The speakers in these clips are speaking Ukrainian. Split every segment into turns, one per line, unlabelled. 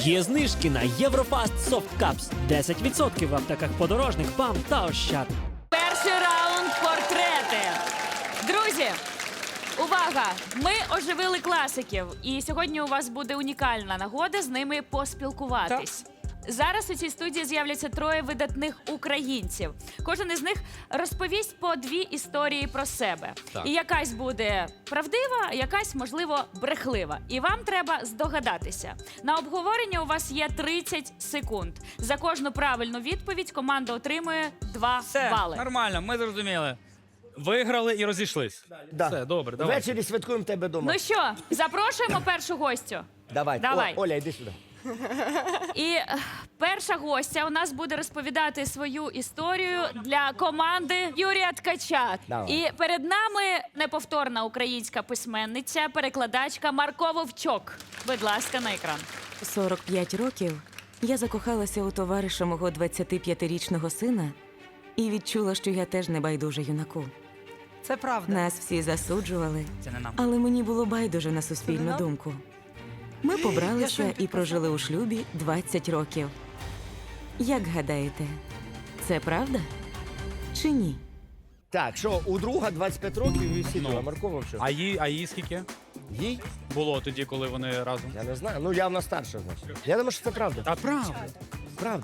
Є знижки на Єврофаст Soft Cups. 10% в аптеках Подорожник, ПАМ та Ощад.
Перший раунд портрети. Друзі, увага! Ми оживили класиків. І сьогодні у вас буде унікальна нагода з ними поспілкуватись. Зараз у цій студії з'являться троє видатних українців. Кожен із них розповість по дві історії про себе.
Так.
І якась буде правдива, а якась, можливо, брехлива. І вам треба здогадатися. На обговорення у вас є 30 секунд. За кожну правильну відповідь команда отримує 2
Все,
бали.
нормально, ми зрозуміли. Виграли і розійшлись.
Да.
Все, добре, давай.
Ввечері святкуємо тебе вдома.
Ну що, запрошуємо першу гостю.
Давай.
давай.
Оля, йди сюди.
І перша гостя у нас буде розповідати свою історію для команди Юрія Ткача.
Давай.
І перед нами неповторна українська письменниця, перекладачка Марко Вовчок. Будь ласка, на екран.
45 років я закохалася у товариша мого 25-річного сина і відчула, що я теж не байдужа юнаку.
Це правда.
Нас всі засуджували,
Це не нам.
але мені було байдуже на суспільну думку. Ми побралися і прожили у шлюбі 20 років. Як гадаєте, це правда чи ні?
Так, що, у друга 25 років і всі
Ну.
друга Маркова що?
А їй скільки
Їй?
було тоді, коли вони разом?
Я не знаю. Ну, явно старша, значить. Я думаю, що це правда.
А правда.
Правда.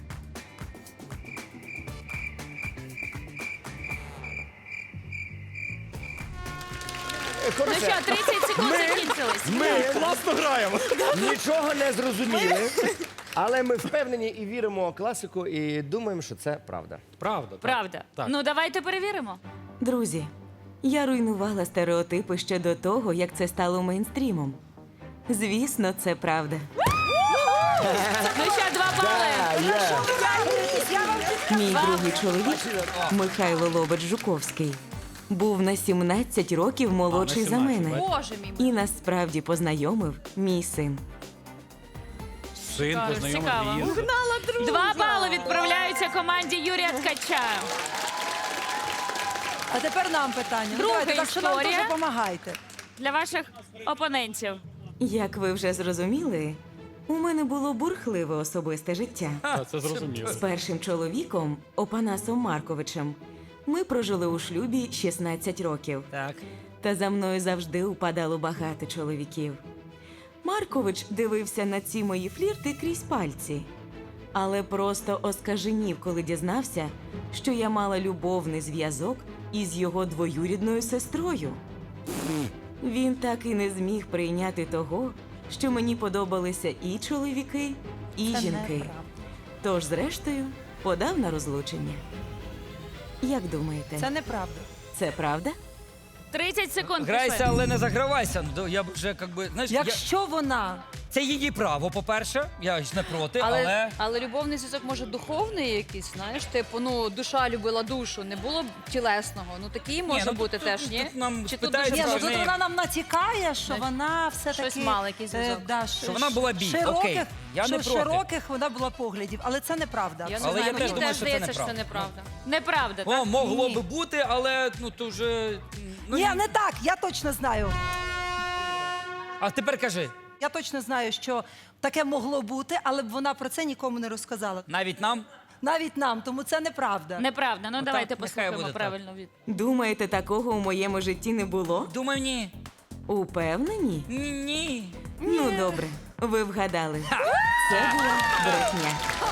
Ну
Коротше,
що, 30 секунд закінчились.
ми
Класно граємо.
нічого не зрозуміли, але ми впевнені і віримо у класику, і думаємо, що це правда.
Правда. так.
Правда.
Так.
Ну, давайте перевіримо.
Друзі, я руйнувала стереотипи ще до того, як це стало мейнстрімом. Звісно, це правда.
Ну що, 2 бали.
Мій другий чоловік, Михайло Лобач-Жуковський, був на 17 років молодший за
17,
мене.
Боже мій.
І нас справді познайомив мій син.
Син
Цікаво.
познайомив.
2 бали відправляються команді Юрія Ткача.
А тепер нам питання. Ну,
Друга
давайте, так що нам
історія.
дуже допомагайте.
Для ваших опонентів.
Як ви вже зрозуміли, у мене було бурхливе особисте життя.
Це зрозуміло.
З першим чоловіком, Опанасом Марковичем, ми прожили у шлюбі 16 років.
Так.
Та за мною завжди упадало багато чоловіків. Маркович дивився на ці мої флірти крізь пальці, але просто оскаженів, коли дізнався, що я мала любовний зв'язок із його двоюрідною сестрою. Він так і не зміг прийняти того, що мені подобалися і чоловіки, і
Це
жінки.
неправда.
Тож, зрештою, подав на розлучення. Як думаєте,
Це неправда.
це правда?
30 секунд
Грайся,
пішли.
але не загравайся. Ну, я б вже, як би, знаєш,
Якщо вона
це її право, по-перше, я ж не проти, але...
Але любовний зв'язок може духовний якийсь, знаєш, типу, ну, душа любила душу, не було б тілесного. Ну, такий може
ну,
бути
тут-
теж,
тут-
ні?
тут нам
Чи тут
питають,
дуже
Ні, ну
що
тут
в неї-
вона нам натякає, що
Значить,
вона все-таки...
щось мала, якийсь зв'язок.
Що вона була бій, окей, я не проти.
Широких вона була поглядів, але це неправда.
Я не
Але
знаю,
я
мені
теж думаю,
теж
що це
здається, що це
неправда.
неправда.
Неправда,
О,
так?
могло
Ні.
би бути, але ну то вже... Ну,
Ні, не так, я точно знаю.
А тепер кажи,
Я точно знаю, що таке могло бути, але б вона про це нікому не розказала.
навіть нам?
Навіть нам, тому це неправда.
Неправда. Ну, давайте
нехай
послухаємо
буде так.
правильну відповідь.
Думаєте, такого у моєму житті не було?
Думаю, ні.
Упевнені?
Ні.
Ну, добре, ви вгадали. Це була брехня.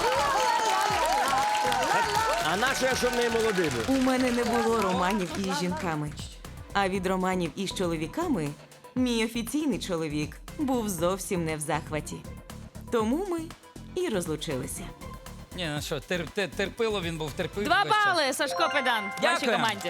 А нащо, якщо в неї молодий був?
У мене не було романів із жінками. А від романів із чоловіками мій офіційний чоловік був зовсім не в захваті. Тому ми і розлучилися.
Ні, ну що, терпило він був, терпив.
2
весь час.
бали, Сашко Педан, вашій
Дякую.
команді.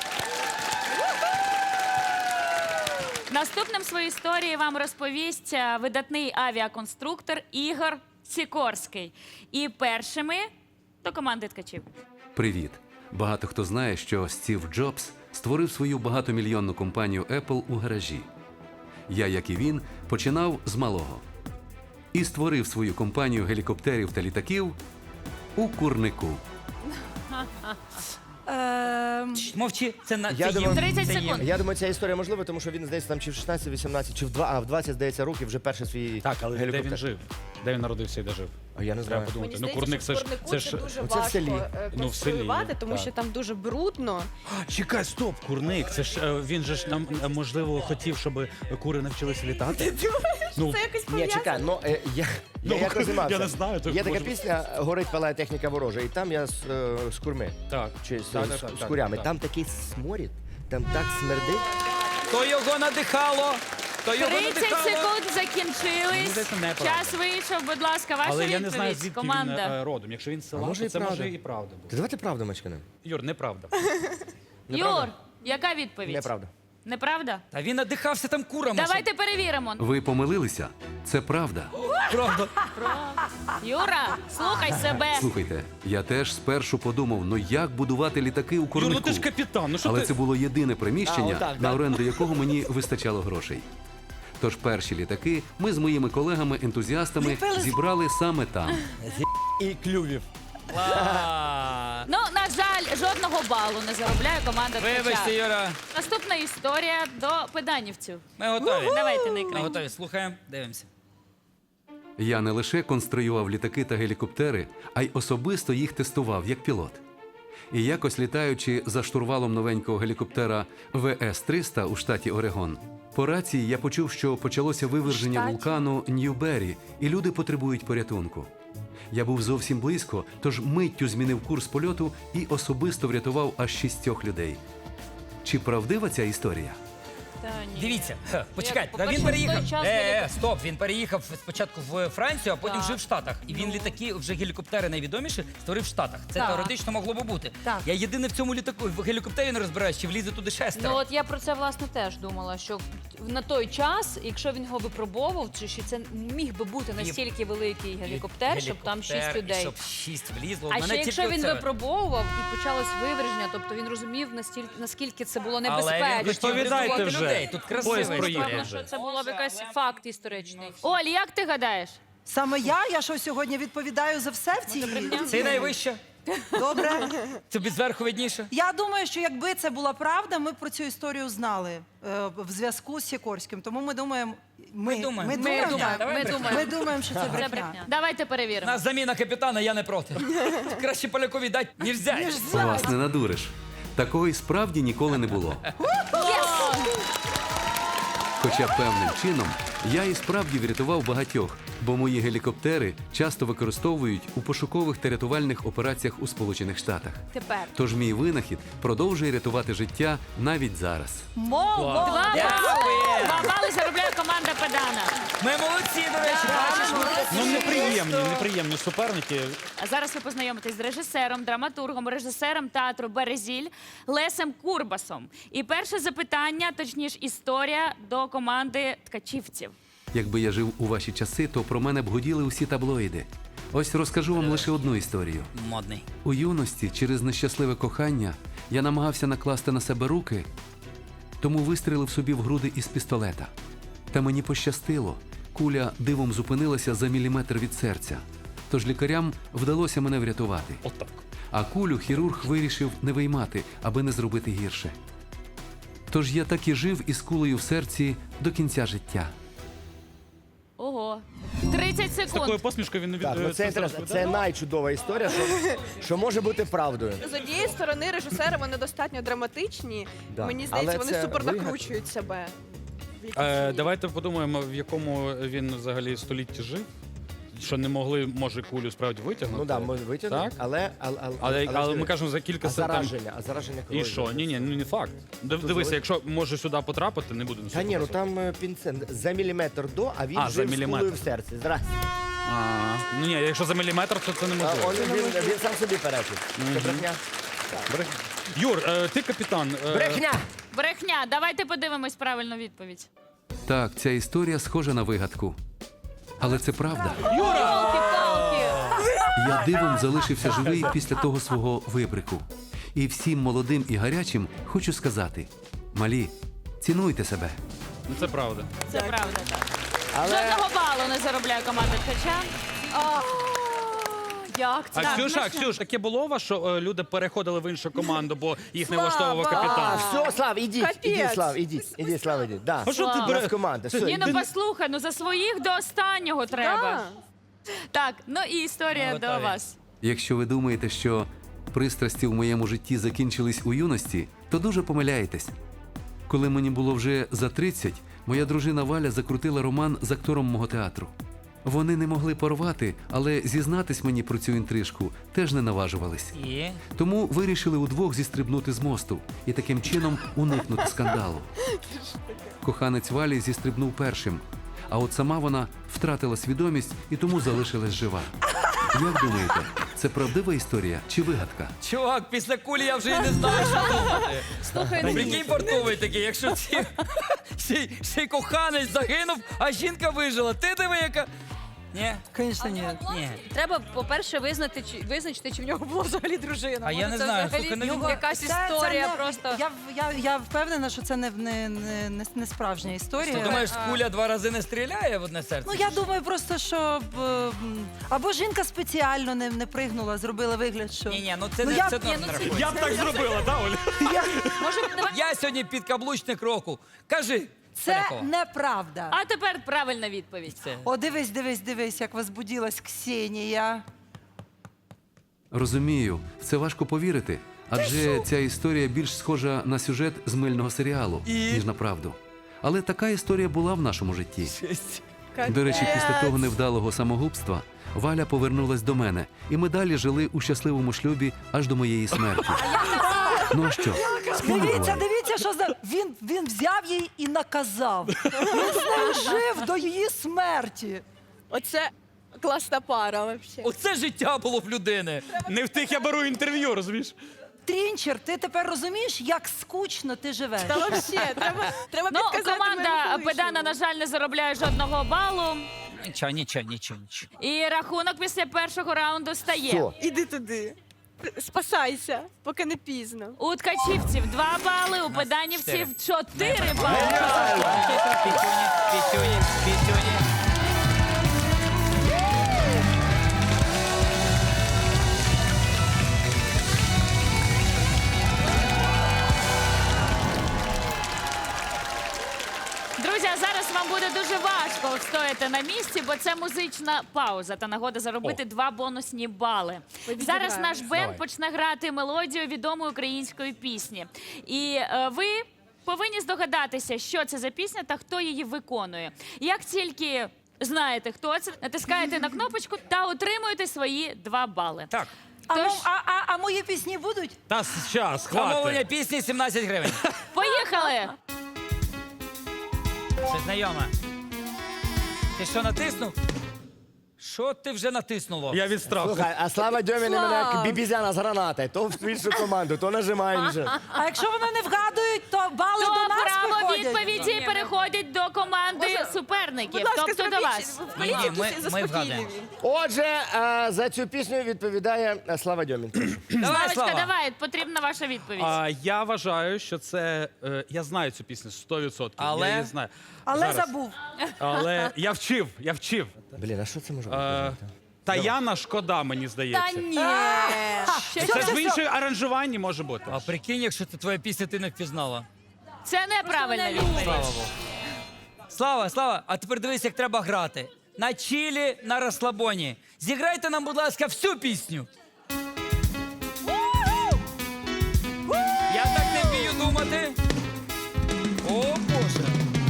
Наступним свою історію вам розповість видатний авіаконструктор Ігор Сікорський. І першими до команди ткачів.
Привіт! Багато хто знає, що Стів Джобс створив свою багатомільйонну компанію Apple у гаражі. Я, як і він, починав з малого. І створив свою компанію гелікоптерів та літаків у курнику.
Мовчи, це на
Я
це
думаю-
їм.
30
це їм.
секунд.
Я думаю, ця історія можлива, тому що він, здається, там чи в 16, 18, чи в 20, здається, років вже перший свій
Так, але де
гелікоптер.
він жив? Де він народився і де жив?
А я не
Треба
знаю.
подумати.
Мені
Ну,
здається,
курник
що
це
в
ж
Курнику
це
це
ж
дуже
Оце в
важко
селі.
Ну, в селі,
конструювати, тому
так.
що там дуже брудно.
Чекай, стоп, курник. Це ж він же ж нам можливо хотів, щоб кури навчилися літати. Ну,
Це якось
Ні, чекай, ну я як розумався.
я не знаю, то
Є така
може-
пісня «Горить палає техніка ворожа», і там я з курми,
так.
чи
Так, так, так,
з
так,
курями.
так.
Там такий сморід, там так смердить.
То його надихало. То його
30
надихало.
секунд
Мені
закінчились.
здається, неправда.
Час вийшов, будь ласка, ваша
Але
відповідь,
я не знаю, звідки
команда.
він родом. Якщо він з села,
А може
то
і
це
правда.
може і правда буде.
Та давайте правду мачканемо.
Юр, неправда.
Юр, яка відповідь?
Неправда.
Неправда?
Та він надихався там курами.
Давайте перевіримо.
Ви помилилися? Це правда.
Правда.
Юра, слухай себе.
Слухайте, я теж спершу подумав, ну як будувати літаки у
Юр,
курнику?
ну ти ж капітан, ну що
Але
ти?
це було єдине приміщення,
А, отак,
на
да.
оренду якого мені вистачало грошей. Тож перші літаки ми з моїми колегами-ентузіастами зібрали саме там.
І клювів.
Ну, на жаль, жодного балу не заробляє команда
Вибачте,
Ткача.
Юра.
Наступна історія до педанівців.
Ми готові.
Давайте на
Ми
екран.
готові. Слухаємо, дивимося.
Я не лише конструював літаки та гелікоптери, а й особисто їх тестував як пілот. І якось літаючи за штурвалом новенького гелікоптера ВС-300 у штаті Орегон, по рації я почув, що почалося виверження вулкану Ньюбері, і люди потребують порятунку. Я був зовсім близько, тож миттю змінив курс польоту і особисто врятував аж 6 людей. Чи правдива ця історія?
Дивіться, почекайте, та
по-перше,
він
в той
переїхав.
час
Стоп, він переїхав спочатку в Францію, а потім
Так.
жив в Штатах. І він літаки, вже гелікоптери найвідоміші, створив в Штатах. Це
Так.
теоретично могло би бути.
Так.
Я єдине в цьому літаку, в гелікоптері не розбираюсь, чи влізе туди шестеро.
Ну от я про це власне теж думала, що на той час, якщо він його випробовував, чи що це міг би бути настільки великий гелікоптер, щоб там 6
Гелікоптер, і
людей.
щоб 6 влізло.
А
Мене
ще якщо
тільки
він
оце-
випробовував і почалось виверження, тобто він розумів наскільки це було
Але він
небезпечно.
хотів
Відповідайте
врятувати
вже.
людей. Тут красива
Поїзд
історія.
проїхав
Певно,
вже.
що це було б якийсь факт історичний.
Оль, як ти гадаєш?
Саме я що сьогодні відповідаю за все в цій.
Це найвище.
Добре.
Тобі зверху видніше.
Я думаю, що якби це була правда, ми б про цю історію знали в зв'язку з Сікорським. Тому ми думаємо.
Ми думаємо.
Ми
Ми
думаємо,
думаємо.
так.
Давай брехня.
Ми думаємо, що це
Це
брехня.
брехня. Давайте перевіримо.
Нас заміна капітана, я не проти. Краще полякові дати, ніж взяти.
Вас не надуриш. Такого і справді ніколи не було. Хоча певним чином я і справді врятував багатьох, бо мої гелікоптери часто використовують у пошукових та рятувальних операціях у Сполучених Штатах.
Тепер.
Тож мій винахід продовжує рятувати життя навіть зараз.
Молодець!
2 бали.
Дякую.
2 бали заробляє команда Педана.
Ми молодці, до речі, бачиш.
Ну неприємні суперники.
А зараз ви познайомитесь з режисером, драматургом, режисером театру Березіль Лесем Курбасом. І перше запитання, точніше історія до команди ткачівців.
Якби я жив у ваші часи, то про мене б гуділи усі таблоїди. Ось розкажу вам лише одну історію.
Модний.
У юності через нещасливе кохання я намагався накласти на себе руки, тому вистрілив собі в груди із пістолета. Та мені пощастило. Куля дивом зупинилася за міліметр від серця. Тож лікарям вдалося мене врятувати.
Отак.
А кулю хірург вирішив не виймати, аби не зробити гірше. Тож я так і жив із кулею в серці до кінця життя.
Ого. 30
З такою
секунд.
посмішкою він не
Так, ну це інтересно. Це найчудова історія, що може бути правдою.
З однієї сторони, режисери вони достатньо драматичні.
Да.
Мені здається,
Але
вони
це
супер
вигадка.
накручують себе. в якійсь мірі.
Давайте подумаємо, в якому він взагалі столітті жив. Що не могли, може, кулю справді витягнути.
Ну так, ми витягнемо,
Так?
але
Але ми кажемо за кілька
а зараження
І
кров'ю.
що? Ні, ну не факт. Дивися, якщо може сюди потрапити, не буде.
Та ні, ну там пінцет за міліметр до, а він
А, за
жив з
міліметр.
кулею в серці. Здрасте.
Ну ні, якщо за міліметр, то це
А,
неможливо.
він сам собі перечить. Це брехня.
Юр, ти капітан.
Брехня!
Брехня. Давайте подивимось правильну відповідь.
Так, ця історія схожа на вигадку. Але це правда.
Палки-палки.
Я дивом залишився живий після того свого вибрику. І всім молодим і гарячим хочу сказати: малі, цінуйте себе.
Ну це правда.
Це правда, так.
Але
Жодного балу не заробляє команда Ткача.
Як це?
Ксюш, таке було у вас, що люди переходили в іншу команду, бо їх не
Слава!
влаштовував
А,
капітан?
все, Слав, ідіть,
Капець.
Слав, ідіть, Слав, ідіть. Да.
А що ти
У нас
береш?
команда, все.
Ні, ну послухай, ну за своїх до останнього треба. Так, ну і історія
Ну,
до
готові.
вас.
Якщо ви думаєте, що пристрасті в моєму житті закінчились у юності, то дуже помиляєтесь. Коли мені було вже за 30, моя дружина Валя закрутила роман з актором мого театру. Вони не могли порвати, але зізнатись мені про цю інтрижку теж не наважувались.
І?
Тому вирішили удвох зістрибнути з мосту і таким чином уникнути скандалу. Коханець Валі зістрибнув першим, а от сама вона втратила свідомість і тому залишилась жива. Як думаєте, це правдива історія чи вигадка?
Чувак, після кулі я вже і не знаю, що думати.
Слухай, ну,
Прикинь, портовий такий, якщо ще й коханець загинув, а жінка вижила. Ти диви, яка... Ні?
Звісно, ні.
Ні.
треба, по-перше, визначити, чи в нього була взагалі дружина.
А я
Може,
не
це
знаю,
взагалі
слухай, ну,
якась
Це
історія
не-
просто.
Я впевнена, що це не справжня історія.
Ти думаєш, куля 2 рази не стріляє в одне серце?
Ну, я думаю просто, що або жінка спеціально не пригнула, зробила вигляд, що...
Ні, ну це
Ну,
не
я-
це
ні,
не
ну,
рахується.
Я б так зробила, да, Оля?
Може, давай
Я сьогодні підкаблучник року. Кажи,
Це
Полякова.
неправда.
А тепер правильна відповідь.
Це.
О, дивись, як возбудилась Ксенія.
Розумію, в це важко повірити, адже ця історія більш схожа на сюжет з мильного серіалу, ніж на правду. Але така історія була в нашому житті. До речі, після того невдалого самогубства Валя повернулась до мене, і ми далі жили у щасливому шлюбі аж до моєї смерті. Ну а що?
Дивіться, що за... Він взяв її і наказав. Він з нею жив до її смерті.
Оце класна пара, взагалі.
Оце життя було в людини.
Не в тих я беру інтерв'ю, розумієш?
Трінчер, ти тепер розумієш, як скучно ти живеш?
Та взагалі, треба
Ну,
підказати
команда
моєму
Педана,
колишньому.
на жаль, не заробляє жодного балу.
Нічого.
І рахунок після першого раунду стає.
Все.
Іди туди. Спасайся, поки не пізно.
У ткачівців 2 бали, у педанівців 4 бали.
Пітюні.
Друзі, а зараз вам буде дуже важко встояти на місці, бо це музична пауза та нагода заробити 2 бонусні бали. Зараз наш бенд почне грати мелодію відомої української пісні. І ви повинні здогадатися, що це за пісня та хто її виконує. Як тільки знаєте, хто це, натискаєте на кнопочку та отримуєте свої 2 бали.
Так,
А мої пісні будуть?
Та щас,
замовлення
хватить.
пісні 17 гривень.
Поїхали!
Це знайома. Ти що, натиснув? Що ти вже натиснуло?
Я від страху.
Слухай, а Слава Дьомін мене як бібізяна з гранати. То в іншу команду, то нажимає інше.
А якщо вони не вгадують, то бали
То
до нас
право
приходять.
відповіді переходить до команди суперників,
Будь ласка,
тобто до
зробіть,
вас.
вколіть
Ні, ми
заспокійливі.
вгадаємо.
Отже, за цю пісню відповідає Слава Дьомін.
Давай,
Славочка,
Слава.
давай, потрібна ваша відповідь.
Я вважаю, що це... я знаю цю пісню 100%.
Але?
Я її знаю.
Але
Зараз.
забув.
Але я вчив.
Блін, а що це може
Е,
бути?
Таяна шкода, мені здається.
ні.
Це ж в іншому аранжуванні може бути.
А прикинь, якщо це твоя пісня, ти не впізнала.
Це неправильна відповідь.
Слава Богу. Слава, а тепер дивись, як треба грати. На чилі, на розслабоні. Зіграйте нам, будь ласка, всю пісню. Я так не вмію думати. О, Боже.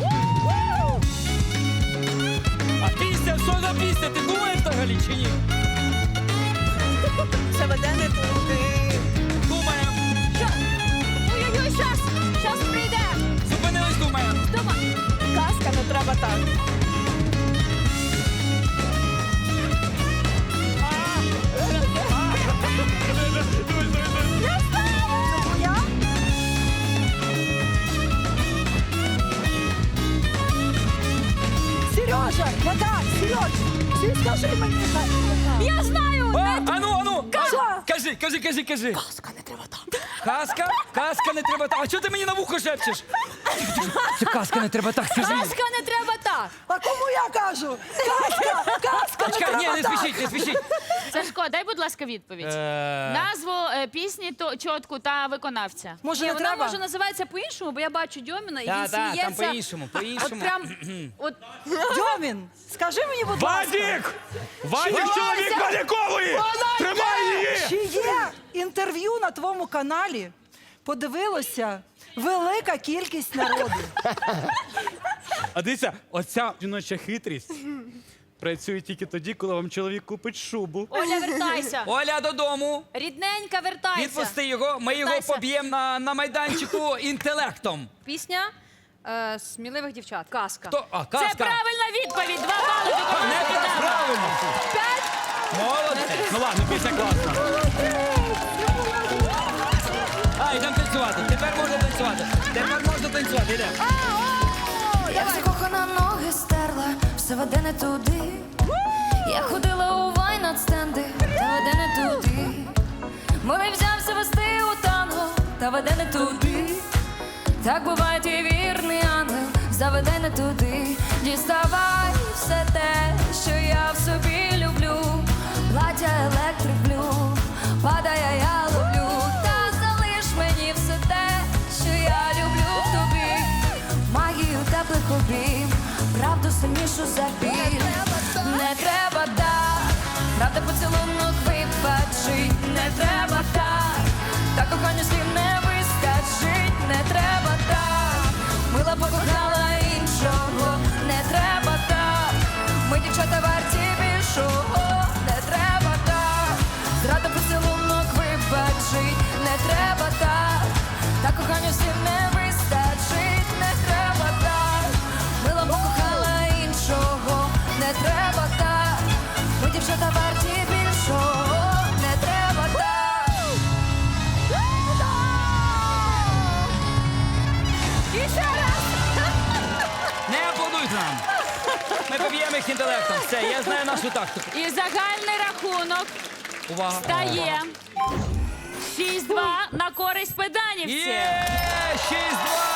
А пісня, що за пісня? Ти думаєш взагалі чи ні?
Це веде не туди.
Думаємо.
Ой-ой-ой, щас прийде.
Зупинились, думаємо.
Казка, не треба так.
Сережа, вода, Сереж, скажи мені.
Я знаю!
А ну.
Що?
Кажи.
Казка не треба. треба так.
Казка? Казка не треба так. А чого ти мені на вухо шепчеш? Це казка не треба так, скажи.
Казка не треба так.
А кому я кажу? Казка не
Чекай, ні,
треба
не
так.
спішіть, не спішіть.
Сашко, дай, будь ласка, відповідь. Назву пісні, чотку та виконавця.
Може,
Ні,
не
вона
треба?
може називається по-іншому, бо я бачу Дьоміна, і він
Та, там
сміється.
по-іншому, по-іншому.
От прям, от
Дьомін, скажи мені, будь ласка.
Вадік! Вадік, чоловік Валікової! Тримай її!
Чи є інтерв'ю на твоєму каналі? Подивилося велика кількість народу.
А дивіться, оця жіноча хитрість працює тільки тоді, коли вам чоловік купить шубу.
Оля, вертайся.
Оля, додому.
Рідненька, вертайся.
Відпусти його, ми його
Вертайся.
поб'ємо на майданчику інтелектом.
Пісня сміливих дівчат. Казка.
Хто? А,
Це
казка.
правильна відповідь. 2 бали до команди
Не
«Динамо».
правильно. Молодець.
Ну ладно, пісня класна.
А, йдемо танцювати. Тепер можна танцювати. Тепер можна танцювати. Йдемо.
Я закохана, ноги стерла, все веде не туди. Я ходила у вайн-стенди, та веде не туди. Милий взявся вести у танго, та веде не туди. Так буває, і вірний ангел заведе не туди. Діставай все те, що я в собі люблю. Плаття електрик блю, падає, я ловлю. Та залиш мені все те, що я люблю в тобі. Магію теплих обійм, правду сильнішу за біль. Не треба так, правда поцілунок вибачить. Не треба так кохання слів не вистачить. Не треба так, мила покохала іншого. Не треба так, ми дівчата варті більшого. Не треба так, зрада поцілунок вибачить. Не треба так кохання слів не вистачить. Не треба так, мила покохала іншого. Не треба так, ми дівчата варті більшого. Не треба так. І ще раз.
Не аплодуйте нам. Ми поб'ємо їх інтелектом. Все, я знаю нашу тактику.
І загальний рахунок
Увага.
стає 6-2 на користь педанівців.
Є! 6-2!